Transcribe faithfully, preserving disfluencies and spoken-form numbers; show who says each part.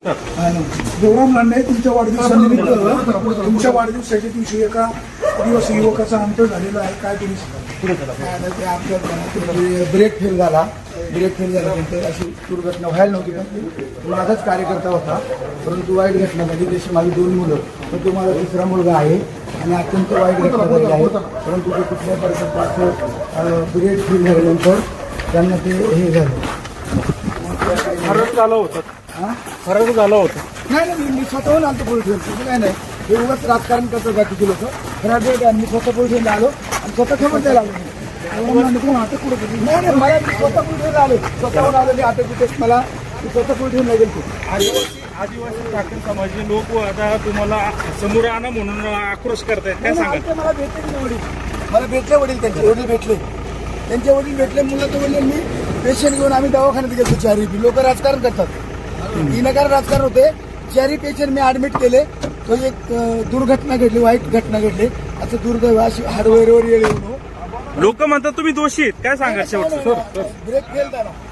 Speaker 1: देवराम लांडे तुमच्या वाढदिवसानिमित्त तुमच्या वाढदिवसाच्या दिवशी एका आदिवासी युवकाचा अंत झालेला आहे, काय तुम्ही सांगा?
Speaker 2: ते आमच्या ब्रेक फेल झाला ब्रेक फेल झाल्यानंतर अशी दुर्घटना व्हायला नव्हती, पण माझाच कार्यकर्ता होता, परंतु वाईट घटना झाली. तशी माझी दोन मुलं, पण तो माझा तिसरा मुलगा आहे आणि अत्यंत वाईट घटना झाली आहे. परंतु ते कुठल्या परिस्थितीत ब्रेक फेल झाल्यानंतर त्यांना ते हे झालं.
Speaker 1: फरक झालं होतं
Speaker 2: हां
Speaker 1: फरक झालं होतं
Speaker 2: नाही नाही मी स्वतःहून आलतो पोलीस स्टेशन, काय नाही हे उगाच राजकारण करतो बाकीचे लोक. खरं मी स्वतः पोलीस स्टेशनला आलो आणि स्वतः खबर द्यायला आलो.
Speaker 1: अटक कुठं केली?
Speaker 2: नाही नाही मला मी स्वतः पोलीस स्टेशनला आलो, स्वतःहून आलो मी अटक कुठे मला मी स्वतः पोलीस स्टेशनला गेलो.
Speaker 3: आदिवासी आदिवासी ठाकरे समाजाचे लोक आता तुम्हाला समोर आणा म्हणून आक्रोश करतायत, काय सांगा?
Speaker 2: नाही, मला भेटले की वडील, मला भेटले वडील, त्यांचे वडील भेटले त्यांचे वडील भेटले मुलं तर वडील मी पेशंट घेऊन आम्ही दवाखान्यात गेलो. चारही लोक राजकारण करतात, विनाकारण राजकारण होते. चारही पेशंट मी ऍडमिट केले. तो एक दुर्घटना घडली, वाईट घटना घडली. असं दुर्दैव अशी हार्डवेअरवर येऊ
Speaker 3: लोक म्हणतात तुम्ही दोषी आहेत, काय सांगा शेवट?
Speaker 2: ब्रेक फेल झाला.